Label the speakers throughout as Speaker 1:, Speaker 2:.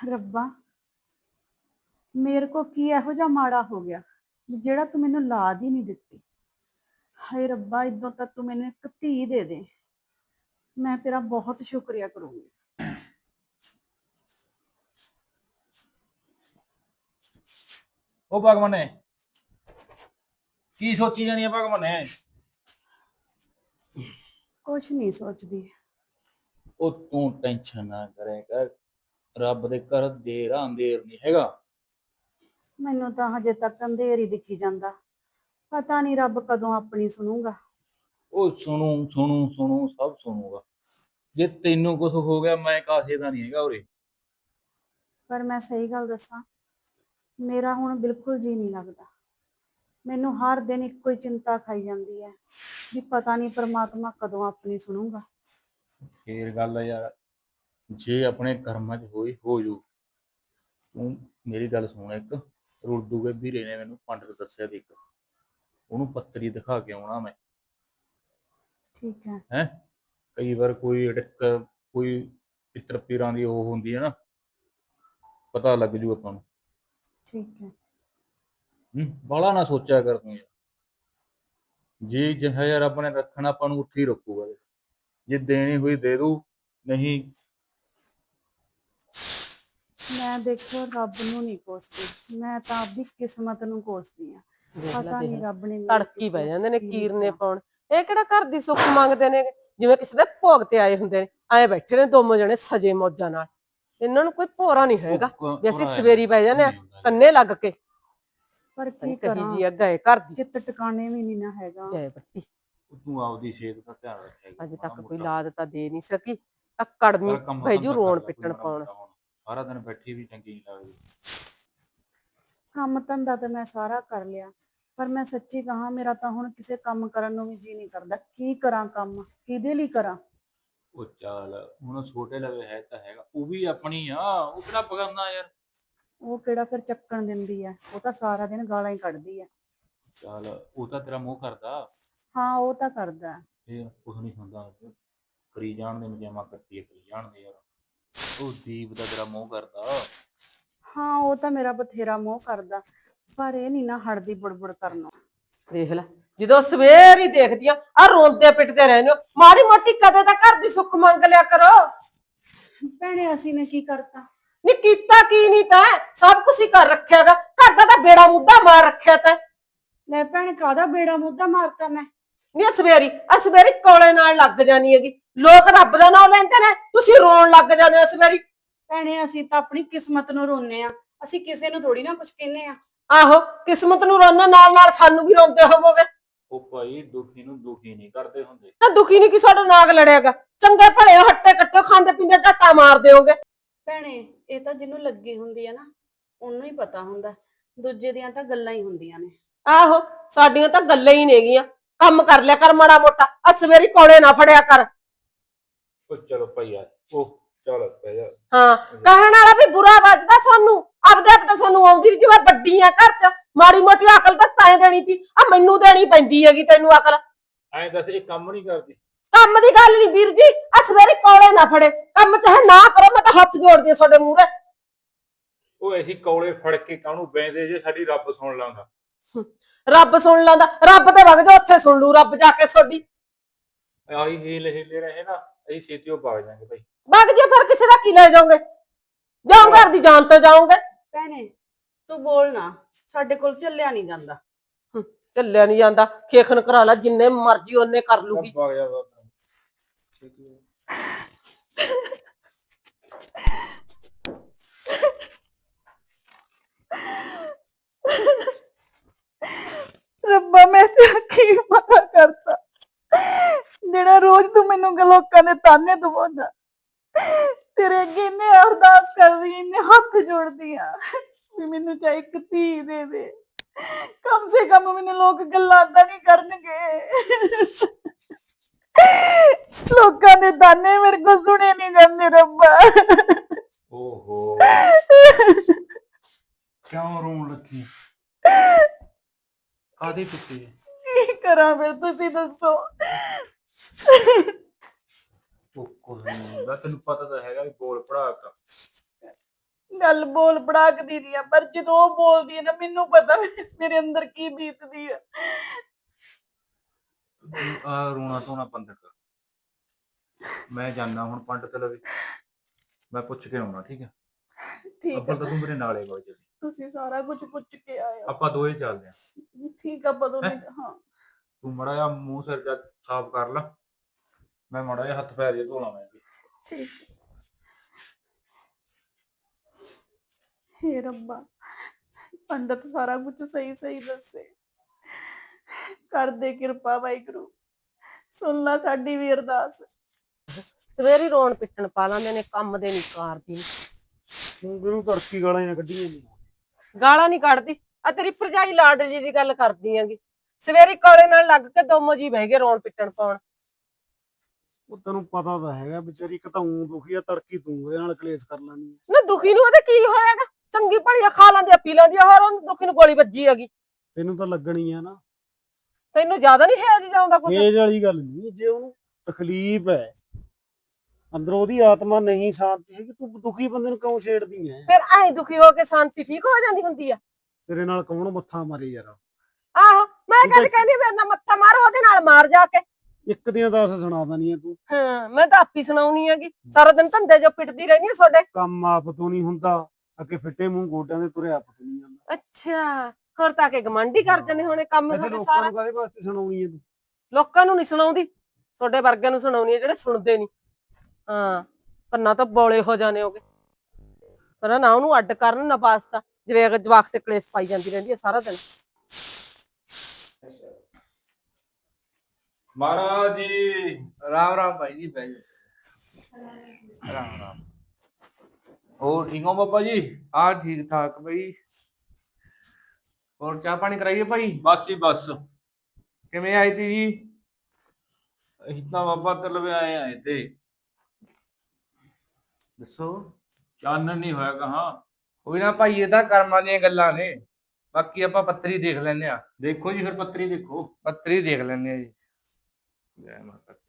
Speaker 1: ਰੱਬਾ, ਮੇਰੇ ਕੋ ਕੀ ਇਹੋ ਜਿਹਾ ਮਾੜਾ ਹੋ ਗਿਆ ਜਿਹੜਾ ਤੂੰ ਮੈਨੂੰ ਲਾਦ ਹੀ ਨਹੀਂ ਦਿੱਤੀ। ਹਾਏ ਰੱਬਾ, ਇਦੋਂ ਤੱਕ ਤੂੰ ਮੈਨੂੰ ਇੱਕ ਧੀ ਦੇ ਦੇ, ਮੈਂ ਤੇਰਾ ਬਹੁਤ ਸ਼ੁਕਰੀਆ ਕਰੂੰਗੀ।
Speaker 2: ਉਹ ਭਗਵਾਨੇ ਕੀ ਸੋਚੀ ਜਾਨੀ ਆ ਭਗਵਾਨੇ?
Speaker 1: ਕੁਛ ਨਹੀਂ ਸੋਚਦੀ।
Speaker 2: ਉਹ ਤੂੰ ਟੈਨਸ਼ਨ ਨਾ ਕਰੇ ਕਰ, ਰੱਬ ਦੇ ਘਰ ਦੇਰ ਅੰਧੇਰ ਨਹੀਂ ਹੈਗਾ।
Speaker 1: ਮੈਨੂੰ ਤਾਂ ਹਜੇ ਤੱਕ ਅੰਧੇਰ ਹੀ ਦਿਖੀ ਜਾਂਦਾ, ਪਤਾ ਨਹੀਂ ਰੱਬ ਕਦੋਂ ਆਪਣੀ ਸੁਣੂਗਾ।
Speaker 2: ਉਹ ਸੁਣੂ ਸੁਣੂ ਸੁਣੂ ਸਭ ਸੁਣੂਗਾ। ਜੇ ਤੈਨੂੰ ਕੁਝ ਹੋ ਗਿਆ ਮੈਂ ਕਾਸੇ ਦਾ ਨਹੀਂ ਹੈਗਾ ਉਰੇ।
Speaker 1: ਪਰ ਮੈਂ ਸਹੀ ਗੱਲ ਦੱਸਾਂ, ਮੇਰਾ ਹੁਣ ਬਿਲਕੁਲ ਜੀ ਨਹੀਂ ਲੱਗਦਾ। ਮੈਨੂੰ ਹਰ ਦਿਨ ਇੱਕੋ ਹੀ ਚਿੰਤਾ ਖਾਈ ਜਾਂਦੀ ਹੈ ਵੀ ਪਤਾ ਨਹੀਂ ਪ੍ਰਮਾਤਮਾ ਕਦੋਂ ਆਪਣੀ ਸੁਣੂਗਾ।
Speaker 2: ਫੇਰ ਗੱਲ ਆ ਯਾਰ, ਜੇ ਆਪਣੇ ਕਰਮਾਂ 'ਚ ਹੋਈ ਹੋ ਜੂ। ਤੂੰ ਮੇਰੀ ਗੱਲ ਸੁਣ, ਇੱਕ ਰੁਲਦੂ ਕੇ ਵੀਰੇ ਨੇ ਮੈਨੂੰ ਪੰਡਤ ਦੱਸਿਆ ਸੀ, ਇੱਕ ਉਹਨੂੰ ਪੱਤਰੀ ਦਿਖਾ ਕੇ ਆਉਣਾ ਮੈਂ।
Speaker 1: ਠੀਕ ਹੈ।
Speaker 2: ਹੈ ਕਈ ਵਾਰ ਕੋਈ ਅੜਕ ਕੋਈ ਪਿੱਤਰ ਪੀਰਾਂ ਦੀ ਉਹ ਹੁੰਦੀ ਹੈ ਨਾ, ਪਤਾ ਲੱਗ ਜੂ ਆਪਾਂ ਨੂੰ।
Speaker 1: ਠੀਕ ਹੈ।
Speaker 2: ਬਾਹਲਾ ਨਾ ਸੋਚਿਆ ਕਰ ਤੂੰ ਯਾਰ। ਜੇ ਜਿਹਾ ਯਾਰ ਆਪਾਂ ਨੇ ਰੱਖਣਾ ਆਪਾਂ ਨੂੰ ਉੱਥੇ ਹੀ ਰੱਖੂਗਾ। ਜੇ ਦੇਣੀ ਹੋਈ ਦੇ ਦੂ, ਨਹੀਂ।
Speaker 1: ਮੈਂ ਦੇਖੋ ਰੱਬ ਨੂੰ ਨਹੀਂ ਕੋਸਦੀ, ਮੈਂ ਤਾਂ ਆਪਦੀ ਕਿਸਮਤ ਨੂੰ ਕੋਸਦੀ ਆ। ਪਤਾ ਨਹੀਂ ਰੱਬ ਨੇ
Speaker 3: ਤੜਕੀ ਬਹਿ ਜਾਂਦੇ ਨੇ ਕੀਰਨੇ ਪਾਉਣ। ਇਹ ਕਿਹੜਾ ਘਰ ਦੀ ਸੁੱਖ ਮੰਗਦੇ ਨੇ, ਜਿਵੇਂ ਕਿਸੇ ਦੇ ਭੋਗ ਤੇ ਆਏ ਹੁੰਦੇ ਨੇ। ਐ ਬੈਠੇ ਨੇ ਦੋਨੋਂ ਜਣੇ ਸਜੇ ਮੌਜਾਂ ਨਾਲ। ਇਹਨਾਂ ਨੂੰ ਕੋਈ ਭੋਰਾ ਨਹੀਂ ਹੈਗਾ ਵੀ ਅਸੀਂ ਸਵੇਰੀ ਬਹਿ ਜਾਂਦੇ ਆ ਕੰਨੇ ਲੱਗ ਕੇ।
Speaker 1: ਪਰ ਕੀ ਕਰਾਂ,
Speaker 3: ਜੀ ਗਏ ਘਰ ਦੀ
Speaker 1: ਚਿੱਤ ਟਿਕਾਣੇ ਵੀ ਨਹੀਂ ਨਾ ਹੈਗਾ।
Speaker 3: ਜੈ ਬੱਤੀ।
Speaker 2: ਤੂੰ ਆਪਦੀ ਸਿਹਤ ਦਾ ਧਿਆਨ ਰੱਖਿਆ ਕਰ।
Speaker 3: ਅਜੇ ਤੱਕ ਕੋਈ ਲਾਦ ਤਾਂ ਦੇ ਨਹੀਂ ਸਕੀ। ਅਕੜਮੀ ਭੈਜੂ ਰੋਣ ਪਿੱਟਣ ਪਾਉਣ।
Speaker 2: ਸਾਰਾ ਦਿਨ ਬੈਠੀ ਵੀ ਚੰਗੀ ਨਹੀਂ ਲੱਗਦੀ।
Speaker 1: ਕੰਮ ਧੰਦਾ ਤਾਂ ਮੈਂ ਸਾਰਾ ਕਰ ਲਿਆ, ਪਰ ਮੈਂ ਸੱਚੀ ਕਹਾਂ ਮੇਰਾ ਤਾਂ ਹੁਣ ਕਿਸੇ ਕੰਮ ਕਰਨ ਨੂੰ ਵੀ ਜੀ ਨਹੀਂ ਕਰਦਾ। ਕੀ ਕਰਾਂ, ਕੰਮ ਕਿਹਦੇ ਲਈ ਕਰਾਂ?
Speaker 2: ਉਹ ਚੱਲ ਹੁਣ ਛੋਟੇ ਲਵੇ ਹੈ ਤਾਂ ਹੈਗਾ, ਉਹ ਵੀ ਆਪਣੀ ਆ, ਉਹ ਕਿਹੜਾ ਪਗਾਨਾ ਯਾਰ।
Speaker 1: ਉਹ ਕਿਹੜਾ ਫਿਰ ਚੱਕਣ ਦਿੰਦੀ ਆ, ਉਹ ਤਾਂ ਸਾਰਾ ਦਿਨ ਗਾਲਾਂ ਹੀ ਕੱਢਦੀ ਆ।
Speaker 2: ਚੱਲ ਉਹ ਤਾਂ ਤੇਰਾ ਮੂੰਹ ਕਰਦਾ।
Speaker 1: ਹਾਂ ਉਹ ਤਾਂ ਕਰਦਾ।
Speaker 2: ਫੇਰ ਕੁਛ ਨਹੀਂ ਹੁੰਦਾ, ਕਰੀ ਜਾਣ ਦੇ ਮਜਾਮਾ ਕਰਤੀ ਕਰੀ ਜਾਣ ਦੇ ਯਾਰ। ਉਹ ਦੀਪ ਦਾ ਤੇਰਾ ਮੂੰਹ ਕਰਦਾ।
Speaker 1: ਹਾਂ ਉਹ ਤਾਂ ਮੇਰਾ ਬਥੇਰਾ ਮੋਹ ਕਰਦਾ, ਪਰ ਇਹ ਨਹੀਂ ਨਾ ਹਟਦੀ ਬੁੜਬੁੜ ਕਰਨੋਂ।
Speaker 3: ਦੇਖ ਲੈ, ਜਦੋਂ ਸਵੇਰ ਹੀ ਦੇਖਦੀ ਆ ਰੋਂਦੇ ਪਿੱਟਦੇ ਰਹਿੰਦੇ ਹੋ। ਮਾੜੀ ਮੋਟੀ ਕਦੇ ਤਾਂ ਘਰ ਦੀ ਸੁੱਖ ਮੰਗ ਲਿਆ ਕਰੋ।
Speaker 1: ਭੈਣੇ ਅਸੀਂ ਨੇ ਕੀ ਕਰਤਾ?
Speaker 3: ਨੀ ਕੀਤਾ ਕੀ ਨਹੀਂ ਤੈਂ, ਸਭ ਕੁਝ ਹੀ ਕਰ ਰੱਖਿਆਗਾ। ਘਰ ਦਾ ਤਾਂ ਬੇੜਾ ਮੁੱਦਾ ਮਾਰ ਰੱਖਿਆ ਤੈਂ।
Speaker 1: ਲੈ ਭੈਣੇ, ਕਾਹਦਾ ਬੇੜਾ ਮੁੱਦਾ ਮਾਰਤਾ ਮੈਂ?
Speaker 3: ਨੀ ਸਵੇਰੀ ਕੋਲੇ ਨਾਲ ਲੱਗ ਜਾਣੀ ਹੈਗੀ। ਲੋਕ ਰੱਬ ਦਾ ਨਾਮ ਲੈਂਦੇ ਨੇ, ਤੁਸੀਂ ਰੋਣ ਲੱਗ ਜਾਂਦੇ ਹੋ ਸਵੇਰੀ।
Speaker 1: ਭੈਣੇ ਅਸੀਂ ਤਾਂ ਆਪਣੀ ਕਿਸਮਤ ਨੂੰ ਰੋਨੇ ਆ, ਅਸੀਂ ਕਿਸੇ ਨੂੰ ਥੋੜੀ ਨਾ ਕੁਝ ਕਹਿੰਨੇ ਆ।
Speaker 3: ਆਹੋ, ਕਿਸਮਤ ਨੂੰ ਰੋਣ ਨਾਲ ਨਾਲ ਸਾਨੂੰ ਵੀ ਰੋਂਦੇ ਹੋਵੋਗੇ।
Speaker 2: ਉਹ ਭਾਈ ਦੁਖੀ ਨੂੰ ਦੁਖੀ ਨਹੀਂ ਕਰਦੇ ਹੁੰਦੇ।
Speaker 3: ਤਾਂ ਦੁਖੀ ਨਹੀਂ ਕਿ ਸਾਡਾ ਨਾਗ ਲੜਿਆਗਾ। ਚੰਗੇ ਭਲੇ ਹੱਟੇ ਕੱਟੇ ਖਾਂਦੇ ਪੀਂਦੇ ਢੱਟਾ ਮਾਰਦੇ ਹੋਗੇ।
Speaker 1: ਭੈਣੇ ਇਹ ਤਾਂ ਜਿਹਨੂੰ ਲੱਗੀ ਹੁੰਦੀ ਆ ਨਾ, ਉਹਨੂੰ ਹੀ ਪਤਾ ਹੁੰਦਾ, ਦੂਜੇ ਦੀਆਂ ਤਾਂ ਗੱਲਾਂ ਹੀ ਹੁੰਦੀਆਂ ਨੇ।
Speaker 3: ਆਹੋ, ਸਾਡੀਆਂ ਤਾਂ ਗੱਲਾਂ ਹੀ ਨੇਗੀਆਂ। ਕੰਮ ਕਰ ਲਿਆ ਕਰ ਮਾੜਾ ਮੋਟਾ, ਆ ਸਵੇਰੀ ਕੋਲੇ ਨਾ ਫੜਿਆ ਕਰ।
Speaker 2: ਉਹ ਚਲੋ ਭਾਈ ਯਾਰ, ਉਹ ਚਲ ਪੈ ਜਾ।
Speaker 3: ਹਾਂ, ਕਹਿਣ ਵਾਲਾ ਵੀ ਬੁਰਾ ਵੱਜਦਾ ਸਾਨੂੰ। ਆਪਦੇ ਆਪ ਤਾਂ ਸਾਨੂੰ ਆਉਂਦੀ ਨੀ, ਜਿਵੇਂ ਵੱਡੀ ਆ ਘਰ ਚ। ਮਾੜੀ ਮੋਟੀ ਅਕਲ ਤਾਂ ਤੈਂ ਦੇਣੀ ਸੀ, ਆ ਮੈਨੂੰ ਦੇਣੀ ਪੈਂਦੀ ਹੈਗੀ ਤੈਨੂੰ ਅਕਲ।
Speaker 2: ਐਂ ਦੱਸ, ਇਹ ਕੰਮ ਨਹੀਂ ਕਰਦੀ?
Speaker 3: ਕੰਮ ਦੀ ਗੱਲ ਨਹੀਂ ਵੀਰ ਜੀ, ਆ ਸਵੇਰੇ ਕੋਲੇ ਨਾ ਫੜੇ। ਕੰਮ ਚਾਹੇ ਨਾ ਕਰੋ, ਮੈਂ ਤਾਂ ਹੱਥ ਜੋੜਦੀ ਆ ਤੁਹਾਡੇ ਮੂਹਰੇ।
Speaker 2: ਉਹ ਅਸੀਂ ਕੌਲੇ ਫੜ ਕੇ ਕਾਹਨੂੰ ਬੈਂਦੇ ਜੇ ਸਾਡੀ ਰੱਬ ਸੁਣ ਲਾਂਗਾ।
Speaker 3: ਰੱਬ ਸੁਣ ਲੈਂਦਾ, ਰੱਬ ਤੇ ਵਗ ਜਾ, ਉੱਥੇ ਸੁਣ ਲੂ ਰੱਬ ਜਾ ਕੇ ਤੁਹਾਡੀ।
Speaker 2: ਆਹੀ ਹੀਲੇ ਰਹੇ ਨਾ, ਅਸੀਂ ਛੇਤੀਓ ਵਗ ਜਾਾਂਗੇ ਭਾਈ।
Speaker 3: ਵਗ ਜੇ ਫਿਰ ਕਿਸੇ ਦਾ ਕੀ ਲੈ ਜਾਓਗੇ? ਜਾਓ ਘਰ ਦੀ ਜਾਨ ਤੋਂ ਜਾਓਗੇ।
Speaker 1: ਭੈਣੇ ਤੂੰ ਬੋਲ ਨਾ, ਸਾਡੇ ਕੋਲ ਚੱਲਿਆ ਨਹੀਂ ਜਾਂਦਾ।
Speaker 3: ਚੱਲਿਆ ਨਹੀਂ ਜਾਂਦਾ, ਖੇਖਣ ਕਰਾ ਲੈ, ਜਿੰਨੇ ਮਰਜੀ ਉਹਨੇ ਕਰ ਲੂਗੀ।
Speaker 2: ਵਗ ਜਾ
Speaker 1: ਰੱਬਾ ਮੈਂ ਤੇ ਕੀ ਮਾੜਾ ਕਰਤਾ ਜਿਹੜਾ ਰੋਜ਼ ਤੂੰ ਮੈਨੂੰ ਲੋਕਾਂ ਦੇ ਤਾਨੇ ਦਵਾਉਂਦਾ। ਤੇਰੇ ਅੱਗੇ ਇੰਨੇ ਅਰਦਾਸ ਕਰਦੀ, ਇੰਨੇ ਹੱਥ ਜੋੜਦੀ ਆ ਵੀ ਮੈਨੂੰ ਚਾਹੇ ਇੱਕ ਧੀ ਦੇ ਦੇ, ਕਮ ਸੇ ਕਮ ਮੈਨੂੰ ਲੋਕ ਗੱਲਾਂ ਤਾਂ ਨਹੀਂ ਕਰਨਗੇ। ਲੋਕਾਂ ਦੇ ਤਾਨੇ ਮੇਰੇ ਕੋਲ ਸੁਣੇ ਨਹੀਂ ਜਾਂਦੇ ਰੱਬਾ।
Speaker 2: ਓਹੋ, ਕਿਉਂ ਰੋਣ ਲੱਗੀ? ਕਾਹਦੇ ਪਿੱਛੇ?
Speaker 1: ਕੀ ਕਰਾਂ ਫਿਰ ਤੁਸੀਂ ਦੱਸੋ?
Speaker 2: ਉਹ ਕੁਝ ਨਹੀਂ ਹੁੰਦਾ, ਤੈਨੂੰ ਪਤਾ ਤਾਂ ਹੈਗਾ ਵੀ ਬੋਲ ਪੜਾ ਤਾ।
Speaker 1: ਗੱਲ ਬੋਲ ਪੜਾਕਦੀ ਨਹੀਂ ਆ, ਪਰ ਜਦੋਂ ਉਹ ਬੋਲਦੀ ਹੈ ਨਾ ਮੈਨੂੰ ਪਤਾ ਮੇਰੇ ਅੰਦਰ ਕੀ ਬੀਤਦੀ ਆ।
Speaker 2: ਆ ਰੋਣਾ ਧੋਣਾ ਬੰਦ ਕਰ। ਮੈਂ ਜਾਣਾ ਹੁਣ ਪੰਡਤ ਲਵੇ, ਮੈਂ ਪੁੱਛ ਕੇ ਆਉਣਾ, ਠੀਕ ਹੈ?
Speaker 1: ਠੀਕ
Speaker 2: ਅੱਬਲ
Speaker 1: ਆ,
Speaker 2: ਤਾਂ ਤੂੰ ਮੇਰੇ ਨਾਲ ਹੀ ਵਗ ਚੱਲੀ,
Speaker 1: ਤੁਸੀਂ ਸਾਰਾ ਕੁਝ ਪੁੱਛ ਕੇ ਆਏ ਹੋ।
Speaker 2: ਆਪਾਂ ਦੋਏ ਚੱਲਦੇ ਆਂ।
Speaker 1: ਠੀਕ ਆ, ਪਤਾ
Speaker 2: ਹੈਂ?
Speaker 1: ਨਹੀਂ। ਹਾਂ
Speaker 2: ਤੂੰ ਮੜਾ ਜਿਹਾ ਮੂੰਹ ਸਿਰ ਜਾ ਸਾਫ਼ ਕਰ ਲਾ, ਮੈਂ ਮੜਾ ਜਿਹਾ ਹੱਥ ਪੈਰ ਜੇ ਧੋ ਲਾਂ ਮੈਂ ਵੀ।
Speaker 1: ਠੀਕ। ਹੇ ਰੱਬਾ, ਪੰਡਤ ਸਾਰਾ ਕੁਝ ਸਹੀ ਸਹੀ ਦੱਸੇ, ਕਰ ਦੇ ਕਿਰਪਾ ਵਾਹਿਗੁਰੂ, ਸੁਣ ਲਾ ਸਾਡੀ ਵੀ ਅਰਦਾਸ।
Speaker 3: ਸਵੇਰੀ ਰੋਣ ਪਿੱਟਣ ਪਾ ਲੈਂਦੇ ਨੇ, ਕੰਮ ਦੇ ਨਹੀਂ ਕਰਦੀ।
Speaker 4: ਤੂੰ ਕਿਹਨੂੰ ਤੜਕੀ ਗਾਲਾਂ ਹੀ ਨਾ ਕੱਢੀਆਂ ਨੀ।
Speaker 3: ਗਾਲਾਂ ਨਹੀਂ ਕੱਢਦੀ, ਆ ਤੇਰੀ ਭਰਜਾਈ ਲਾਡਲੀ ਦੀ ਗੱਲ ਕਰਦੀ ਆਂਗੀ। ਸਵੇਰੀ ਕੋਲੇ ਨਾਲ ਲੱਗ ਕੇ ਦੋਮੋ ਜੀ ਬਹਿ ਗਏ ਰੋਣ ਪਿੱਟਣ ਪਾਉਣ।
Speaker 4: ਉਹ ਤੈਨੂੰ ਪਤਾ ਤਾਂ ਹੈਗਾ ਵਿਚਾਰੀ ਇੱਕ ਤਾਂ ਊਂ ਦੁਖੀ ਆ, ਤੜਕੀ ਤੂੰ ਉਹਦੇ ਨਾਲ ਕਲੇਸ਼ ਕਰ ਲੈਂਦੀ ਆ।
Speaker 3: ਨਾ ਦੁਖੀ ਨੂੰ ਉਹਦੇ ਕੀ ਹੋਏਗਾ, ਚੰਗੀ ਭਲੀ ਖਾ ਲੈਂਦੀ ਆ ਪੀ ਲੈਂਦੀ ਆ, ਹੋਰ ਉਹਨੂੰ ਦੁਖੀ ਨੂੰ ਗੋਲੀ ਵੱਜੀ ਹੈਗੀ।
Speaker 4: ਤੈਨੂੰ ਤਾਂ ਲੱਗਣੀ ਆ ਨਾ,
Speaker 3: ਤੈਨੂੰ ਜ਼ਿਆਦਾ ਨਹੀਂ ਹੈ ਜੀ ਜਾਉਂਦਾ ਕੁਛ।
Speaker 4: ਤੇਜ ਵਾਲੀ ਗੱਲ ਨਹੀਂ। ਜੇ ਉਹਨੂੰ ਤਕਲੀਫ ਹੈ ਅੰਦਰੋਂ, ਉਹਦੀ ਆਤਮਾ ਨਹੀਂ ਸ਼ਾਂਤੀ ਹੈਗੀ, ਤੂੰ ਦੁਖੀ ਬੰਦੇ ਨੂੰ ਕਿਉਂ ਛੇੜਦੀ ਐ?
Speaker 3: ਫਿਰ ਐਂ ਦੁਖੀ ਹੋ ਕੇ ਸ਼ਾਂਤੀ ਠੀਕ ਹੋ ਜਾਂਦੀ ਹੁੰਦੀ ਆ।
Speaker 4: ਤੇਰੇ ਨਾਲ ਕੌਣ ਮੱਥਾ ਮਾਰੇ ਯਾਰ?
Speaker 3: ਆਹੋ, ਮੈਂ
Speaker 4: ਤੂੰ ਤਾਂ-
Speaker 3: ਕਦੇ ਕਹਿੰਦੀ ਮੇਰੇ ਨਾਲ ਮੱਥਾ ਮਾਰ, ਉਹਦੇ ਨਾਲ ਮਾਰ ਜਾ ਕੇ।
Speaker 4: ਇੱਕ ਦੀਆਂ 10 ਸੁਣਾ ਦਨੀ ਆ ਤੂੰ।
Speaker 3: ਹਾਂ, ਮੈਂ ਤਾਂ ਆਪੀ ਸੁਣਾਉਣੀ ਹੈਗੀ, ਸਾਰਾ ਦਿਨ ਧੰਦੇ ਜੋ ਪਿੱਟਦੀ ਰਹਿੰਦੀ ਆ ਤੁਹਾਡੇ।
Speaker 4: ਕੰਮ ਆਪ ਤੋਂ ਨਹੀਂ ਹੁੰਦਾ, ਅੱਗੇ ਫਿੱਟੇ ਮੂੰਹ ਗੋਡਿਆਂ ਦੇ ਤੁਰੇ ਆਪ ਤੋਂ ਨਹੀਂ ਜਾਂਦਾ।
Speaker 3: ਅੱਛਾ, ਹੋਰ ਤਾਂ ਕਿ ਗਮੰਡੀ ਕਰ ਜਾਂਦੇ ਹੋਣੇ ਕੰਮ
Speaker 4: ਇੱਥੇ
Speaker 3: ਤੁਹਾਡੇ
Speaker 4: ਲੋਕਾਂ
Speaker 3: ਸਾਰਾ।
Speaker 4: ਨੂੰ ਕਾਹਦੇ ਵਾਸਤੇ ਸੁਣਾਉਣੀ ਹੈ ਤੂੰ?
Speaker 3: ਲੋਕਾਂ ਨੂੰ ਨਹੀਂ ਸੁਣਾਉਂਦੀ, ਤੁਹਾਡੇ ਵਰਗਿਆਂ ਨੂੰ ਸੁਣਾਉਣੀ ਹੈ ਜਿਹੜੇ ਸੁਣਦੇ ਨਹੀਂ। ਹਾਂ, ਕੰਨਾਂ ਤਾਂ ਬੋਲੇ ਹੋ ਜਾਣੇ ਹੋਗੇ। ਪਰ ਨਾ ਉਹਨੂੰ ਅੱਡ ਕਰਨ ਨਾ ਵਾਸਤਾ, ਜਿਵੇਂ ਅਗਰ ਜਵਾਕ ਤੇ ਕਲੇਸ਼ ਪਾਈ ਜਾਂਦੀ ਰਹਿੰਦੀ ਹੈ ਸਾਰਾ ਦਿਨ।
Speaker 2: ਮਹਾਰਾਜ ਜੀ
Speaker 5: राम राम भाई जी भाई राम राम।
Speaker 2: ਹੋਰ ਠੀਕ ਹੋ ਬਾਬਾ ਜੀ?
Speaker 5: हाँ ठीक ठाक भाई। और चाह पानी कराइए भाई।
Speaker 2: ਬਸ ਹੀ ਬਸ,
Speaker 5: किमें आई थी जी?
Speaker 2: ਅਸੀਂ ਤਾਂ ਬਾਬਾ ਤਲਵੇ ਆਏ ਤੇ
Speaker 5: दसो।
Speaker 2: ਚਾਨਣ ਨਹੀਂ ਹੋਇਆ ਕਹਾਂ।
Speaker 5: कोई ना भाई, ये तो कर्मां दी गल्लां ने, बाकी आपां पत्तरी देख लैने आ।
Speaker 2: ਦੇਖੋ ਜੀ ਫਿਰ ਪੱਤਰੀ ਦੇਖੋ।
Speaker 5: पत्तरी देख लैने आ जी। जय माता दी।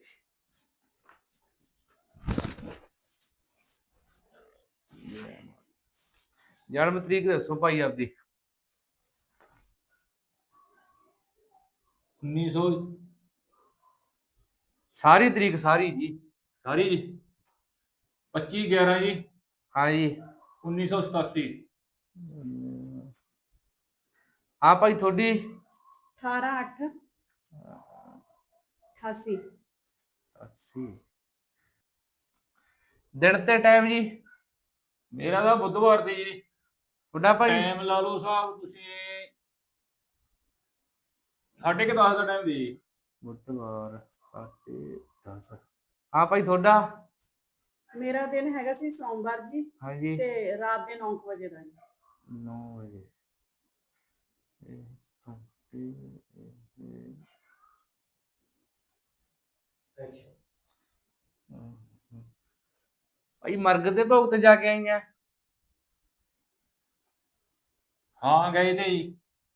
Speaker 5: जन्म तरीक दसो भाई आपदी।
Speaker 2: 1900
Speaker 5: सारी तरीक सारी जी।
Speaker 2: ਸਾਰੀ ਜੀ 25/11 ਜੀ
Speaker 5: हाँ जी।
Speaker 2: 1987।
Speaker 5: हाँ भाई थोड़ी
Speaker 1: 18/8/88।
Speaker 5: 80 दिन ते टाइम जी।
Speaker 2: ਮੇਰਾ ਤਾਂ ਬੁੱਧਵਾਰ ਦੀ ਜੀ।
Speaker 5: थोड़ा भाई
Speaker 2: ਟਾਈਮ ਲਾ ਲਓ ਸਾਹਿਬ ਤੁਸੀਂ 10:30 ਦਾ ਟਾਈਮ ਦੀ ਜੀ।
Speaker 5: बुधवार 10:30। हाँ भाई थोड़ा।
Speaker 1: ਮੇਰਾ ਦਿਨ ਹੈਗਾ ਸੀ ਸੋਮਵਾਰ ਜੀ,
Speaker 5: हाँ जी
Speaker 1: ਤੇ ਰਾਤ ਦੇ 9 ਵਜੇ ਦਾ ਜੀ।
Speaker 5: 9 बजे। भाई मरग दे भोग ते जाके आई हैं।
Speaker 2: ਹਾਂ ਗਏ ਤੇ ਜੀ।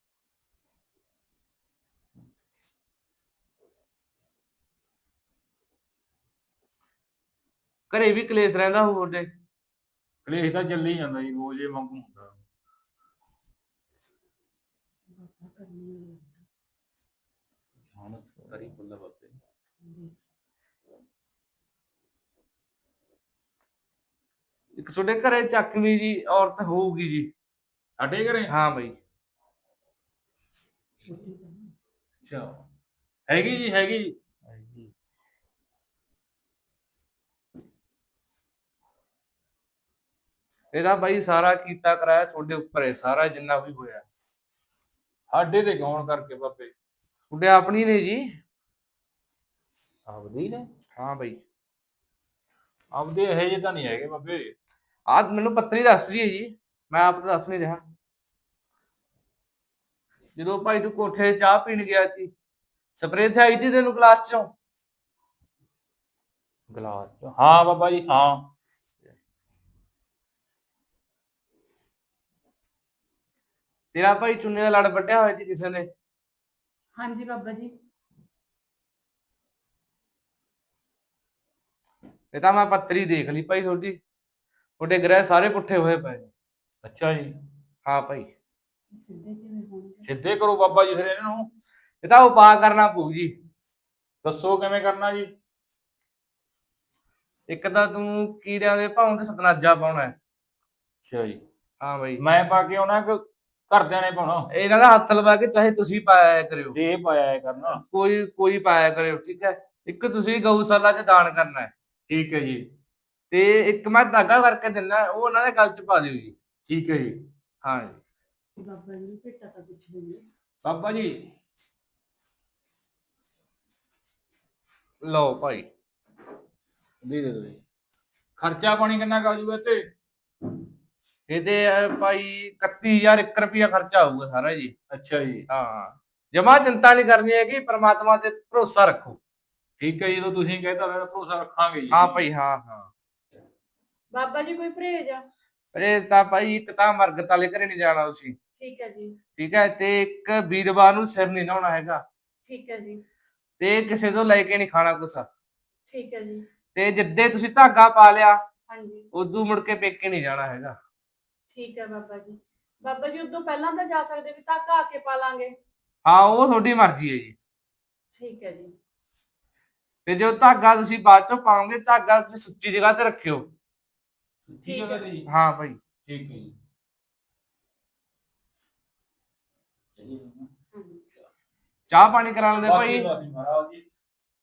Speaker 5: घरे भी कलेश रहिंदा होऊ तुहाडे?
Speaker 2: ਕਲੇਸ਼ ਤਾਂ ਚੱਲੀ ਜਾਂਦਾ ਜੀ, ਰੋਜ਼ ਇਹ ਵਾਂਗੂ ਹੁੰਦਾ। ਕਰੀ ਬੁੱਲਾ ਬਾਬੇ।
Speaker 5: एक तुहाडे घरे चकवी जी औरत होऊगी जी?
Speaker 2: ਸਾਡੇ ਘਰੇ?
Speaker 5: हाँ भाई।
Speaker 2: ਅੱਛਾ, ਹੈਗੀ ਜੀ ਹੈਗੀ ਜੀ।
Speaker 5: ਇਹਦਾ ਬਾਈ ਸਾਰਾ ਕੀਤਾ ਕਰਾਇਆ ਤੁਹਾਡੇ ਉੱਪਰ ਹੈ, ਸਾਰਾ ਜਿੰਨਾ ਵੀ ਹੋਇਆ
Speaker 2: ਸਾਡੇ ਤੇ ਕੌਣ ਕਰਕੇ ਬਾਬੇ?
Speaker 5: ਤੁਹਾਡੇ ਆਪਣੀ ਨੇ ਜੀ।
Speaker 2: ਆਪਦੇ ਹੀ ਨੇ?
Speaker 5: ਹਾਂ ਬਾਈ।
Speaker 2: ਆਪਦੇ ਇਹ ਜਿਹੇ ਤਾਂ ਨਹੀਂ ਹੈਗੇ ਬਾਬੇ।
Speaker 5: ਆਹ ਮੈਨੂੰ ਪੱਤਰੀ ਦੱਸ ਰਹੀ ਹੈ ਜੀ, ਮੈਂ ਆਪ ਤਾਂ ਦੱਸ ਨਹੀਂ ਰਿਹਾ। ਜਦੋਂ ਭਾਈ ਤੂੰ ਕੋਠੇ 'ਤੇ ਚਾਹ ਪੀਣ ਗਿਆ ਸੀ, ਸਪਰੇਅ ਤੇ ਆਈ ਸੀ ਤੈਨੂੰ ਗਲਾਸ 'ਚੋਂ?
Speaker 2: ਗਲਾਸ ਚ? ਹਾਂ ਬਾਬਾ ਜੀ ਹਾਂ।
Speaker 5: ਤੇਰਾ ਭਾਈ ਚੁੰਨੇ ਦਾ ਲੜ ਵੱਢਿਆ ਹੋਇਆ ਸੀ ਕਿਸੇ ਨੇ?
Speaker 1: ਹਾਂਜੀ ਬਾਬਾ ਜੀ।
Speaker 5: ਇਹ ਤਾਂ ਮੈਂ ਪੱਤਰੀ ਦੇਖ ਲਈ ਭਾਈ, ਤੁਹਾਡੇ ਗ੍ਰਹਿ ਸਾਰੇ ਪੁੱਠੇ ਹੋਏ ਪਏ ਨੇ।
Speaker 2: ਅੱਛਾ ਜੀ।
Speaker 5: ਹਾਂ ਭਾਈ,
Speaker 1: ਸਿੱਧੇ ਕਿਵੇਂ ਹੋਣਗੇ?
Speaker 2: ਸਿੱਧੇ ਕਰੋ ਬਾਬਾ ਜੀ ਫਿਰ ਇਹਨਾਂ ਨੂੰ।
Speaker 5: ਇਹ ਤਾਂ ਉਪਾਅ ਕਰਨਾ ਪਊ ਜੀ।
Speaker 2: ਦੱਸੋ ਕਿਵੇਂ ਕਰਨਾ ਜੀ।
Speaker 5: ਇੱਕ ਤਾਂ ਤੂੰ ਕੀੜਿਆਂ ਦੇ ਭਾਉਂ ਤੇ ਸਤਨਾਜਾ ਪਾਉਣਾ ਹੈ।
Speaker 2: ਅੱਛਾ ਜੀ।
Speaker 5: ਹਾਂ ਭਾਈ,
Speaker 2: ਮੈਂ ਪਾ ਕੇ ਆਉਣਾ ਕਿ ਘਰਦਿਆਂ ਨੇ ਪਾਉਣਾ?
Speaker 5: ਇਹਨਾਂ ਦਾ ਹੱਥ ਲਵਾ ਕੇ ਚਾਹੇ ਤੁਸੀਂ ਪਾਇਆ ਕਰਿਓ,
Speaker 2: ਜੇ ਇਹ ਪਾਇਆ ਕਰਨਾ।
Speaker 5: ਕੋਈ ਪਾਇਆ ਕਰਿਓ, ਠੀਕ ਹੈ। ਇੱਕ ਤੁਸੀਂ ਗਊਸ਼ਾਲਾ 'ਚ ਦਾਨ ਕਰਨਾ ਹੈ,
Speaker 2: ਠੀਕ ਹੈ ਜੀ।
Speaker 5: ਤੇ ਇੱਕ ਮੈਂ ਧਾਗਾ ਕਰਕੇ ਦਿੰਦਾ, ਉਹ ਉਹਨਾਂ ਦੇ ਗਲ 'ਚ ਪਾ ਦਿਓ ਜੀ।
Speaker 2: ਠੀਕ ਹੈ ਜੀ।
Speaker 5: ਹਾਂ ਜੀ।
Speaker 1: ਬਾਬਾ ਜੀ ਨੂੰ ਭੇਟਾ ਤਾਂ ਪੁੱਛ ਲੈਂਦੇ।
Speaker 2: ਬਾਬਾ ਜੀ
Speaker 5: ਲਓ ਭਾਈ,
Speaker 2: ਦੇ ਦਿਓ ਜੀ। ਖਰਚਾ ਪਾਣੀ ਕਿੰਨਾ ਕੁ ਆ ਜਾਊਗਾ ਤੇ?
Speaker 5: ਇਹਦੇ ਭਾਈ 31000 1 ਰੁਪਿਆ ਖਰਚਾ ਆਊਗਾ ਸਾਰਾ ਜੀ।
Speaker 2: ਅੱਛਾ ਜੀ।
Speaker 5: ਹਾਂ, ਜਮਾ ਚਿੰਤਾ ਨਹੀਂ ਕਰਨੀ ਹੈਗੀ, ਪ੍ਰਮਾਤਮਾ ਤੇ ਭਰੋਸਾ ਰੱਖੋ।
Speaker 2: ਠੀਕ ਹੈ ਜੀ, ਜਦੋਂ ਤੁਸੀਂ ਕਹਿਤਾ ਮੈਂ ਭਰੋਸਾ ਰੱਖਾਂਗੇ ਜੀ।
Speaker 5: ਹਾਂ ਭਾਈ, ਹਾਂ ਹਾਂ।
Speaker 1: ਬਾਬਾ ਜੀ ਕੋਈ ਪਰਹੇਜ ਆ?
Speaker 5: ਪਰਹੇਜ਼ ਤਾਂ ਭਾਈ ਇੱਕ ਤਾਂ ਮਰਗਤ ਵਾਲੇ ਘਰੇ ਨਹੀਂ ਜਾਣਾ ਤੁਸੀਂ,
Speaker 1: ਠੀਕ ਹੈ ਜੀ।
Speaker 5: ਠੀਕ ਹੈ। ਤੇ ਇੱਕ ਵੀਰਵਾਰ ਨੂੰ ਸਿਰ ਨਹੀਂ ਨਹਾਉਣਾ ਹੈਗਾ,
Speaker 1: ਠੀਕ ਹੈ ਜੀ।
Speaker 5: ਤੇ ਕਿਸੇ ਤੋਂ ਲੈ ਕੇ ਨਹੀਂ ਖਾਣਾ ਕੁਛ।
Speaker 1: ਠੀਕ ਹੈ ਜੀ।
Speaker 5: ਤੇ ਜਿੱਦੇ ਤੁਸੀਂ ਧਾਗਾ ਪਾ ਲਿਆ,
Speaker 1: ਹਾਂਜੀ
Speaker 5: ਉਦੋਂ ਮੁੜ ਕੇ ਪੇਕੇ ਨਹੀਂ ਜਾਣਾ ਹੈਗਾ।
Speaker 1: ਠੀਕ ਹੈ ਬਾਬਾ ਜੀ। ਬਾਬਾ ਜੀ ਉਦੋਂ ਪਹਿਲਾਂ ਤਾਂ ਜਾ ਸਕਦੇ ਵੀ ਧਾਗਾ ਆ ਕੇ ਪਾ ਲਾਂਗੇ।
Speaker 5: ਹਾਂ, ਉਹ ਤੁਹਾਡੀ ਮਰਜ਼ੀ ਹੈ ਜੀ।
Speaker 1: ਠੀਕ ਹੈ ਜੀ।
Speaker 5: ਤੇ ਜੋ ਧਾਗਾ ਤੁਸੀਂ ਬਾਅਦ ਚੋਂ ਪਾਓਗੇ, ਧਾਗਾ ਤੁਸੀਂ ਸੁੱਚੀ ਜਗ੍ਹਾ ਤੇ ਰੱਖਿਓ।
Speaker 2: ਠੀਕ ਹੈ ਜੀ।
Speaker 5: ਹਾਂ ਭਾਈ।
Speaker 2: ਠੀਕ ਹੈ ਜੀ।
Speaker 5: ਚਾਹ ਪਾਣੀ ਕਰਾ ਲੈਂਦੇ ਭਾਈ।
Speaker 2: ਮਹਾਰਾਜ ਜੀ।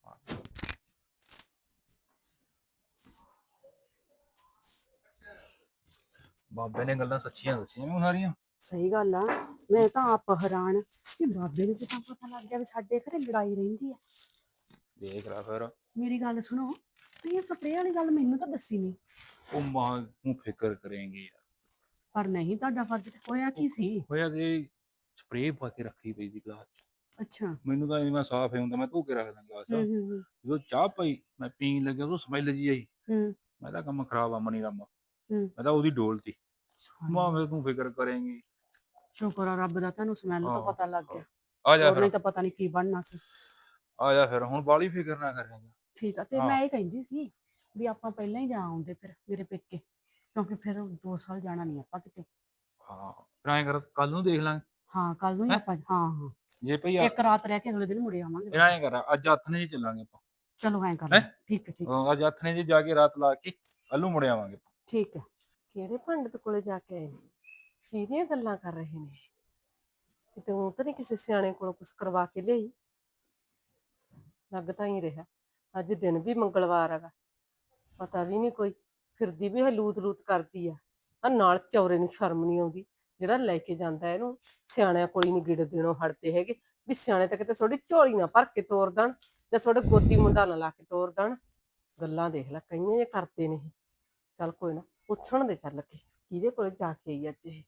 Speaker 2: ਬਾਬੇ ਨੇ ਗੱਲਾਂ ਸੱਚੀਆਂ ਦੱਸੀਆਂ ਮੈਨੂੰ ਸਾਰੀਆਂ।
Speaker 6: ਸਹੀ ਗੱਲ ਆ। ਮੈਂ ਤਾਂ ਆਪ ਹੈਰਾਨ ਕਿ ਬਾਬੇ ਨੂੰ ਤਾਂ ਪਤਾ ਲੱਗ ਗਿਆ ਵੀ ਸਾਡੇ ਘਰੇ ਲੜਾਈ ਰਹਿੰਦੀ ਆ।
Speaker 2: ਦੇਖ ਲੈ ਫਿਰ।
Speaker 6: ਮੇਰੀ ਗੱਲ ਸੁਣੋ, ਤੁਸੀਂ ਇਹ ਸਪਰੇਅ ਵਾਲੀ ਗੱਲ ਮੈਨੂੰ ਤਾਂ ਦੱਸੀ ਨਹੀਂ।
Speaker 2: ਉਹ ਮਾਂ ਨੂੰ ਫਿਕਰ ਕਰੇਂਗੇ ਯਾਰ।
Speaker 6: ਪਰ ਨਹੀਂ, ਤੁਹਾਡਾ ਫਰਜ਼ ਹੋਇਆ ਕੀ ਸੀ?
Speaker 2: ਹੋਇਆ ਕਿ ਸਪਰੇਅ ਪਾ ਕੇ ਰੱਖੀ ਪਈ ਸੀ ਗਲਾਸ 'ਚ।
Speaker 6: ਅੱਛਾ।
Speaker 2: ਮੈਨੂੰ ਤਾਂ ਮੈਂ ਸਾਫ਼ ਹੀ ਹੁੰਦਾ, ਮੈਂ ਧੋ ਕੇ ਰੱਖਦਾ ਗਲਾਸ।
Speaker 6: ਹੂੰ।
Speaker 2: ਜਦੋਂ ਚਾਹ ਪਈ ਮੈਂ ਪੀਣ ਲੱਗਿਆ, ਉਹ ਸਮੈਲ ਜੀ ਆਈ।
Speaker 6: ਹੂੰ।
Speaker 2: ਮੈਂ ਤਾਂ ਕੰਮ ਖਰਾਬ ਆ ਮਨੀ ਰਾਮਾ।
Speaker 6: ਹੂੰ।
Speaker 2: ਮੈਂ ਤਾਂ ਉਹਦੀ ਡੋਲਤੀ। ਮਾਂ ਮੈਂ ਤੂੰ ਫਿਕਰ ਕਰੇਂਗੀ।
Speaker 6: ਸ਼ੁਕਰ ਆ ਰੱਬ ਦਾ, ਤੁਹਾਨੂੰ ਸਮੈਲ ਤੋਂ
Speaker 2: ਹਾਂ,
Speaker 6: ਪਤਾ ਲੱਗ ਗਿਆ।
Speaker 2: ਆ ਜਾ
Speaker 6: ਹੋਰ
Speaker 2: ਫਿਰ।
Speaker 6: ਨਹੀਂ ਤਾਂ ਪਤਾ ਨਹੀਂ ਕੀ ਬਣਨਾ ਸੀ।
Speaker 2: ਆ ਜਾ ਫਿਰ, ਹੁਣ ਬਾਹਲੀ ਫਿਕਰ ਨਾ ਕਰਿਆ।
Speaker 6: ਠੀਕ ਆ। ਤੇ
Speaker 2: ਹਾਂ।
Speaker 6: ਮੈਂ ਇਹ ਕਹਿੰਦੀ ਸੀ ਵੀ ਆਪਾਂ ਪਹਿਲਾਂ ਹੀ ਜਾ ਆਉਂਦੇ ਫਿਰ ਮੇਰੇ ਪੇਕੇ, ਕਿਉਂਕਿ ਫਿਰ 2 ਸਾਲ ਜਾਣਾ ਨਹੀਂ ਆਪਾਂ ਕਿਤੇ।
Speaker 2: ਹਾਂ, ਫਿਰ ਐਂ ਕਰ, ਕੱਲ ਨੂੰ ਦੇਖ ਲਾਂਗੇ।
Speaker 6: ਹਾਂ, ਕੱਲ ਨੂੰ ਹੀ
Speaker 2: ਹੈਂ?
Speaker 6: ਆਪਾਂ। ਹਾਂ
Speaker 2: ਜੇ ਭਈ
Speaker 6: ਇੱਕ ਰਾਤ ਰਹਿ ਕੇ ਅਗਲੇ ਦਿਨ ਮੁੜੇ ਆਵਾਂਗੇ।
Speaker 2: ਫਿਰ ਐਂ ਕਰ, ਅੱਜ ਹੱਥਨੇ ਚ ਚੱਲਾਂਗੇ ਆਪਾਂ।
Speaker 6: ਚਲੋ ਐਂ ਕਰ
Speaker 2: ਹੈਂ?
Speaker 6: ਲਓ। ਠੀਕ ਹੈ ਠੀਕ ਹੈ
Speaker 2: ਹਾਂ, ਅੱਜ ਹੱਥਨੇ ਚ ਜਾ ਕੇ ਰਾਤ ਲਾ ਕੇ ਕੱਲ ਨੂੰ ਮੁੜ ਆਵਾਂਗੇ।
Speaker 6: ਠੀਕ ਹੈ।
Speaker 3: ਕਿਹੜੇ ਪੰਡਤ ਕੋਲੇ ਜਾ ਕੇ ਆਏ ਨੇ? ਕਿਹਦੀਆਂ ਗੱਲਾਂ ਕਰ ਰਹੇ ਨੇ? ਕਿਤੇ ਉਹ ਤਾਂ ਨਹੀਂ ਕਿਸੇ ਸਿਆਣੇ ਕੋਲੋਂ ਕੁਝ ਕਰਵਾ ਕੇ ਲਿਆਈ? ਲੱਗ ਤਾਂ ਹੀ ਰਿਹਾ ਅੱਜ ਦਿਨ ਵੀ ਮੰਗਲਵਾਰ ਹੈਗਾ, ਪਤਾ ਵੀ ਨਹੀਂ ਕੋਈ, ਫਿਰਦੀ ਵੀ ਲੂਤ ਲੂਤ ਕਰਦੀ ਆ ਨਾਲ ਚੌਰੇ ਨੂੰ ਸ਼ਰਮ ਨਹੀਂ ਆਉਂਦੀ ਜਿਹੜਾ ਲੈ ਕੇ ਜਾਂਦਾ ਇਹਨੂੰ। ਸਿਆਣਿਆਂ ਕੋਲ ਹੀ ਨਹੀਂ ਗਿੜ ਦੇਣੋਂ ਹਟਦੇ ਹੈਗੇ ਵੀ ਸਿਆਣੇ ਤਾਂ ਕਿਤੇ ਤੁਹਾਡੀ ਝੋਲੀ ਨਾ ਭਰ ਕੇ ਤੋਰ ਦੇਣ ਜਾਂ ਤੁਹਾਡੇ ਗੋਦੀ ਮੁੰਡਾ ਨਾ ਲਾ ਕੇ ਤੋਰ ਦੇਣ। ਗੱਲਾਂ ਦੇਖ ਲੈ ਕਈਆਂ ਇਹ ਕਰਦੇ ਨੇ। ਚੱਲ ਕੋਈ ਨਾ, ਪੁੱਛਣ ਦੇ ਚੱਲ ਕੇ ਕਿਹਦੇ ਕੋਲੇ ਜਾ ਕੇ ਆਈ ਅੱਜ ਇਹ।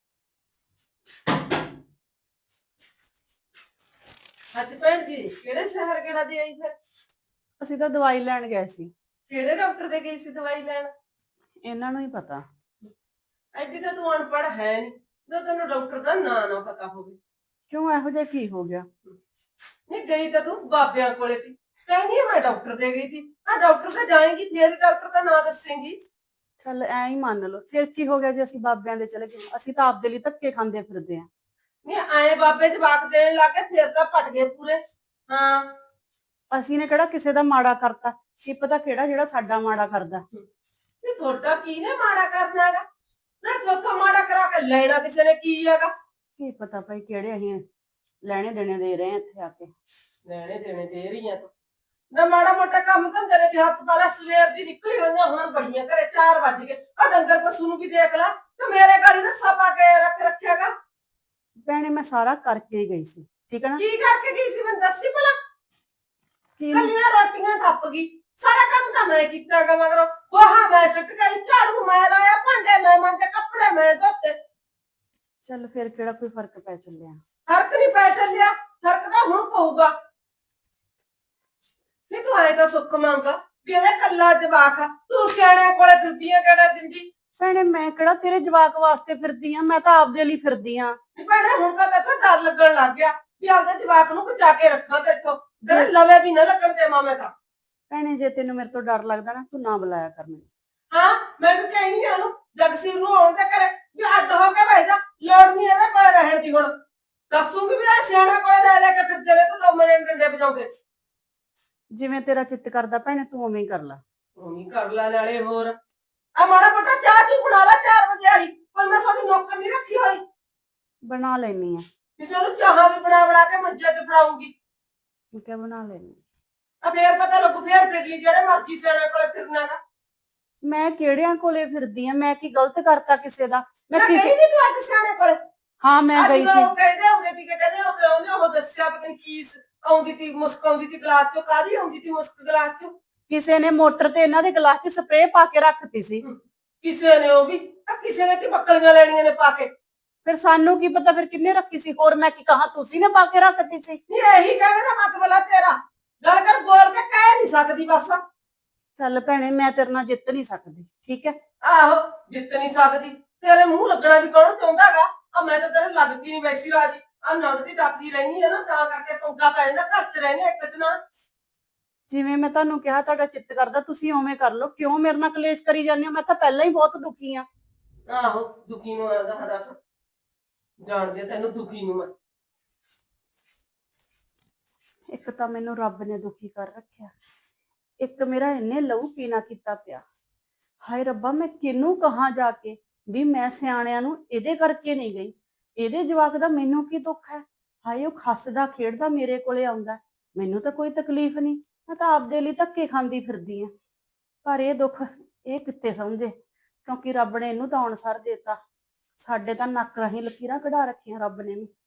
Speaker 3: ਅੱਜ ਭੈਣ ਜੀ ਕਿਹੜੇ ਸ਼ਹਿਰ ਕਿਹੜਾ ਦੇ ਆਈ ਫਿਰ?
Speaker 6: ਅਸੀਂ ਤਾਂ ਦਵਾਈ ਲੈਣ ਗਏ ਸੀ।
Speaker 3: ਕਿਹੜੇ ਡਾਕਟਰ ਦੇ ਗਈ ਸੀ ਦਵਾਈ ਲੈਣ?
Speaker 6: ਇਹਨਾਂ ਨੂੰ ਹੀ ਪਤਾ।
Speaker 3: ਐਡੀ ਤਾਂ ਤੂੰ ਅਨਪੜ੍ਹ ਹੈ ਨਹੀਂ ਜੋ ਤੈਨੂੰ ਡਾਕਟਰ ਦਾ ਨਾਂ ਨਾ ਪਤਾ ਹੋਵੇ।
Speaker 6: ਕਿਉਂ, ਇਹੋ ਜਿਹਾ ਕੀ ਹੋ ਗਿਆ?
Speaker 3: ਨਹੀਂ ਗਈ ਤਾਂ ਤੂੰ ਬਾਬਿਆਂ ਕੋਲੇ ਸੀ, ਕਹਿੰਦੀ ਆ ਮੈਂ ਡਾਕਟਰ ਦੇ ਗਈ ਸੀ। ਆ ਡਾਕਟਰ ਤੇ ਜਾਏਂਗੀ ਫੇਰ ਡਾਕਟਰ ਦਾ ਨਾਂ ਦੱਸੇਂਗੀ।
Speaker 6: ਚੱਲ ਐਂ ਹੀ ਮੰਨ ਲਓ, ਫਿਰ ਕੀ ਹੋ ਗਿਆ ਜੇ ਅਸੀਂ ਬਾਬਿਆਂ ਦੇ ਚਲੇ ਗਏ? ਅਸੀਂ ਤਾਂ ਆਪਦੇ ਲਈ ਧੱਕੇ ਖਾਂਦੇ ਫਿਰਦੇ ਆਂ।
Speaker 3: ਨਹੀਂ ਆਏ ਬਾਬੇ ਜਵਾਕ ਦੇਣ ਲੱਗੇ ਫੇਰ ਤਾਂ ਪਟ ਗਏ ਪੂਰੇ। ਹਾਂ,
Speaker 6: ਅਸੀਂ ਨੇ ਕਿਹੜਾ ਕਿਸੇ ਦਾ ਮਾੜਾ ਕਰਤਾ? ਕੀ ਪਤਾ ਕਿਹੜਾ ਜਿਹੜਾ ਸਾਡਾ ਮਾੜਾ ਕਰਦਾ।
Speaker 3: ਨਹੀਂ ਤੁਹਾਡਾ ਕੀ ਨੇ ਮਾੜਾ ਕਰਨਾ ਹੈਗਾ? ਨਾ ਸੋਥੋਂ ਮਾੜਾ ਕਰਾ ਕੇ ਲੈਣਾ ਕਿਸੇ ਨੇ ਕੀ ਹੈਗਾ?
Speaker 6: ਕੀ ਪਤਾ ਭਾਈ ਕਿਹੜੇ ਅਸੀਂ ਲੈਣੇ ਦੇਣੇ ਦੇ ਰਹੇ ਆਂ ਇੱਥੇ ਆ ਕੇ।
Speaker 3: ਲੈਣੇ ਦੇਣੇ ਦੇ ਰਹੀਆਂ ਤੂੰ ਨਾ ਮਾੜਾ ਮੋਟਾ ਕੰਮ ਧੰਦੇ ਨੇ ਵੀ ਹੱਥ ਪਾਲਾ। ਸਵੇਰ ਦੀ ਨਿਕਲੀ ਹੋਈਆਂ ਹੁਣ ਬੜੀਆਂ ਘਰੇ 4 ਵਜ ਗਏ। ਆ ਡੰਗਰ ਪਸ਼ੂ ਨੂੰ ਵੀ ਦੇਖ ਲੈ ਤੇ ਮੇਰੇ ਗਾਲੀ ਰੱਸਾ ਪਾ ਕੇ ਰੱਖਿਆਗਾ।
Speaker 6: ਭੈਣੇ ਮੈਂ ਸਾਰਾ ਕਰਕੇ ਹੀ ਗਈ ਸੀ, ਠੀਕ ਹੈ ਨਾ?
Speaker 3: ਕੀ ਕਰਕੇ ਗਈ ਸੀ ਮੈਨੂੰ ਦੱਸੀ ਭਲਾ।
Speaker 6: ਕੀ
Speaker 3: ਕੱਲੀਆਂ ਰੋਟੀਆਂ ਥੱਪ ਗਈ, ਸਾਰਾ ਕੰਮ ਤਾਂ ਮੈਂ ਕੀਤਾਗਾ। ਮਗਰੋਂ ਗੋਹਾ ਮੈਂ ਸੁੱਟ ਗਈ, ਝਾੜੂ ਮੈਂ ਲਾਇਆ, ਭਾਂਡੇ ਮੈਂ ਮਾਂਜੇ, ਕੱਪੜੇ ਮੈਂ ਧੋਤੇ।
Speaker 6: ਚੱਲ ਫਿਰ ਕਿਹੜਾ ਕੋਈ ਫਰਕ ਪੈ ਚੱਲਿਆ?
Speaker 3: ਫਰਕ ਨਹੀਂ ਪੈ ਚੱਲਿਆ, ਫਰਕ ਤਾਂ ਹੁਣ ਪਊਗਾ। ਨਹੀਂ ਤੂੰ ਆਏ ਤਾਂ ਸੁੱਖ ਮੰਗਾ ਵੀ ਇਹਦਾ ਕੱਲਾ ਜਵਾਕ ਆ, ਤੂੰ ਸਿਆਣਿਆਂ ਕੋਲੇ ਫਿਰਦੀਆਂ ਕਿਹੜਾ ਦਿੰਦੀ?
Speaker 6: ਭੈਣੇ ਮੈਂ ਕਿਹੜਾ ਤੇਰੇ ਜਵਾਕ ਵਾਸਤੇ ਫਿਰਦੀ ਆਂ, ਮੈਂ ਤਾਂ ਆਪਦੇ ਲਈ ਫਿਰਦੀ ਆਂ।
Speaker 3: ਨਹੀਂ ਭੈਣੇ ਹੁਣ ਤਾਂ ਤੈਨੂੰ ਡਰ ਲੱਗਣ ਲੱਗ ਗਿਆ ਵੀ ਆਪਦੇ ਜਵਾਕ ਨੂੰ ਬਚਾ ਕੇ ਰੱਖਾਂ ਤੇ ਇੱਥੋਂ ਤੇਰੇ ਲਵੇ ਵੀ ਨਾ ਲੱਗਣ ਦੇਵਾਂ ਮੈਂ ਤਾਂ।
Speaker 6: ਭੈਣੇ ਜੇ ਤੈਨੂੰ ਮੇਰੇ ਤੋਂ ਡਰ ਲੱਗਦਾ ਨਾ, ਤੂੰ ਨਾ ਬੁਲਾਇਆ ਕਰ ਮੈਨੂੰ।
Speaker 3: ਹਾਂ ਮੈਂ ਵੀ ਕਹਿਣੀ ਆ ਉਹਨੂੰ ਜਗਸੀਰ ਨੂੰ ਆਉਣ ਤੇ ਕਰੇ ਵੀ ਆ ਅੱਡ ਹੋ ਕੇ ਬਹਿ ਜਾ, ਲੋੜ ਨਹੀਂ ਇਹਦੇ ਕੋਲ ਰਹਿਣ ਦੀ ਹੁਣ। ਦੱਸੂਗੀ ਵੀ ਆ ਸਿਆਣਾ ਕੋਲ ਲੈ ਲੈ ਕੇ ਫਿਰਦੇ ਨੇ ਤੇ ਦੋ ਮਨੇ ਡੰਡੇ ਵਜਾਉਂਦੇ।
Speaker 6: ਜਿਵੇਂ ਤੇਰਾ ਚਿੱਤ ਕਰਦਾ ਭੈਣੇ ਤੂੰ ਉਵੇਂ ਹੀ ਕਰ ਲੈ।
Speaker 3: ਉਵੇਂ ਕਰ ਲੈ ਨਾਲੇ ਹੋਰ ਆ ਮਾੜਾ ਮੋਟਾ ਚਾਹ ਚੂ ਬਣਾ ਲੈ 4 ਵਜੇ ਵਾਲੀ, ਕੋਈ ਮੈਂ ਤੁਹਾਡੀ ਨੌਕਰ ਨਹੀਂ ਰੱਖੀ ਹੋਈ।
Speaker 6: ਬਣਾ ਲੈਣੀ ਆ।
Speaker 3: ਕਿਸੇ ਨੂੰ ਚਾਹਾਂ ਵੀ ਬਣਾ ਕੇ ਮੰਜੇ ਤੇ ਫੜਾਉਂਗੀ।
Speaker 6: ਠੀਕ ਹੈ ਬਣਾ ਲੈਣੀ।
Speaker 3: ਆ ਫੇਰ ਪਤਾ ਲੱਗੂ, ਫੇਰ ਫਿਰ ਲਈ ਜਿਹੜੇ ਮਰਜ਼ੀ ਸਿਆਣਾ ਕੋਲੇ ਫਿਰਨਾ ਗਾ।
Speaker 6: ਮੈਂ ਕਿਹੜਿਆਂ ਕੋਲੇ ਫਿਰਦੀ ਆ? ਮੈਂ ਕੀ ਗਲਤ ਕਰਤਾ ਕਿਸੇ ਦਾ? ਮੈਂ
Speaker 3: ਮੈਂ
Speaker 6: ਕਿਸੇ
Speaker 3: ਕਹੀ ਨਹੀਂ ਤੂੰ ਅੱਜ ਸਿਆਣੇ ਕੋਲੇ।
Speaker 6: ਹਾਂ ਮੈਂ ਗਈ ਸੀ।
Speaker 3: ਉਹ ਕਹਿੰਦੇ ਹੁੰਦੇ ਸੀ ਕਿ ਕਹਿੰਦੇ ਉਹਨੇ ਉਹ ਦੱਸਿਆ ਪਤਾ ਨੀ ਕੀ ਆਉਂਦੀ ਤੀ, ਮੁਸਕ ਆਉਂਦੀ ਤੀ ਗਲਾਸ ਚੋਂ, ਕਾਹਦੀ ਆਉਂਦੀ ਤੀ ਮੁਸਕ ਗਲਾਸ ਚੋਂ।
Speaker 6: ਕਿਸੇ ਨੇ ਮੋਟਰ ਤੇ ਇਹਨਾਂ ਦੇ ਗਲਾਸ 'ਚ ਸਪਰੇਅ ਪਾ ਕੇ ਰੱਖਤੀ ਸੀ।
Speaker 3: ਕਿਸੇ ਨੇ ਉਹ ਵੀ ਕਿਸੇ ਨੇ ਕੀ ਬੱਕਲੀਆਂ ਲੈਣੀਆਂ ਨੇ ਪਾ ਕੇ।
Speaker 6: ਫਿਰ ਸਾਨੂੰ ਕੀ ਪਤਾ ਫਿਰ ਕਿੰਨੇ ਰੱਖੀ ਸੀ? ਹੋਰ ਮੈਂ ਕੀ ਕਹਾਂ, ਤੁਸੀਂ ਨੇ ਪਾ ਕੇ ਰੱਖਤੀ ਸੀ।
Speaker 3: ਨਹੀਂ ਇਹੀ ਕਹਿੰਦੇ ਦਾ ਮਤਲਬ ਆ ਤੇਰਾ, ਗੱਲ ਕਰ ਬੋਲ ਕੇ ਕਹਿ ਨਹੀਂ ਸਕਦੀ ਬਸ।
Speaker 6: ਚੱਲ ਭੈਣੇ ਮੈਂ ਤੇਰੇ ਨਾਲ ਜਿੱਤ ਨਹੀਂ ਸਕਦੀ, ਠੀਕ ਹੈ?
Speaker 3: ਆਹੋ ਜਿੱਤ ਨਹੀਂ ਸਕਦੀ, ਤੇਰੇ ਮੂੰਹ ਲੱਗਣਾ ਵੀ ਕੌਣ ਚਾਹੁੰਦਾਗਾ? ਆ ਮੈਂ ਤਾਂ ਤੇਰੇ ਲੱਗਦੀ ਨਹੀਂ ਵੈਸੀ ਰਾਜੀ, ਆ ਨੰਦ ਟੱਪਦੀ ਰਹਿਣੀ ਹੈ ਨਾ, ਤਾਂ ਕਰਕੇ ਪੰਗਾ ਪੈ ਜਾਂਦਾ। ਘਰ 'ਚ ਰਹਿੰਦੇ ਇੱਕ ਚ ਨਾ।
Speaker 6: ਜਿਵੇਂ ਮੈਂ ਤੁਹਾਨੂੰ ਕਿਹਾ ਤੁਹਾਡਾ ਚਿੱਤ ਕਰਦਾ ਤੁਸੀਂ ਉਵੇਂ ਕਰ ਲਓ। ਕਿਉਂ ਮੇਰੇ ਨਾਲ ਕਲੇਸ਼ ਕਰੀ ਜਾਂਦੇ ਹੋ? ਮੈਂ ਤਾਂ ਪਹਿਲਾਂ ਹੀ ਬਹੁਤ ਦੁਖੀ ਆ।
Speaker 3: ਆਹੋ ਦੁਖੀ ਨੂੰ ਆਦਾ ਦੱਸ, ਜਾਣਦੇ ਤੈਨੂੰ ਦੁਖੀ ਨੂੰ ਮੈਂ।
Speaker 6: ਇੱਕ ਤਾਂ ਮੈਨੂੰ ਰੱਬ ਨੇ ਦੁਖੀ ਕਰ ਰੱਖਿਆ, ਇੱਕ ਮੇਰਾ ਇੰਨੇ ਲਹੂ ਪੀਣਾ ਕੀਤਾ ਪਿਆ। ਹਾਏ ਰੱਬਾ ਮੈਂ ਕਿਹਨੂੰ ਕਹਾਂ ਜਾ ਕੇ ਵੀ ਮੈਂ ਸਿਆਣਿਆਂ ਨੂੰ ਇਹਦੇ ਕਰਕੇ ਨਹੀਂ ਗਈ, ਇਹਦੇ ਜਵਾਕ ਦਾ ਮੈਨੂੰ ਕੀ ਦੁੱਖ ਹੈ? ਹਾਏ ਉਹ ਹੱਸਦਾ ਖੇਡਦਾ ਮੇਰੇ ਕੋਲੇ ਆਉਂਦਾ, ਮੈਨੂੰ ਤਾਂ ਕੋਈ ਤਕਲੀਫ ਨਹੀਂ, ਮੈਂ ਤਾਂ ਆਪਦੇ ਲਈ ਧੱਕੇ ਖਾਂਦੀ ਫਿਰਦੀ ਆ। ਪਰ ਇਹ ਦੁੱਖ ਇਹ ਕਿੱਥੇ ਸਮਝੇ, ਕਿਉਂਕਿ ਰੱਬ ਨੇ ਇਹਨੂੰ ਤਾਂ ਅਨਸਰ ਦਿੱਤਾ। ਸਾਡੇ ਤਾਂ ਨੱਕ ਰਾਹੀਂ ਲਕੀਰਾਂ ਕਢਾ ਰੱਖੀਆਂ ਰੱਬ ਨੇ ਵੀ।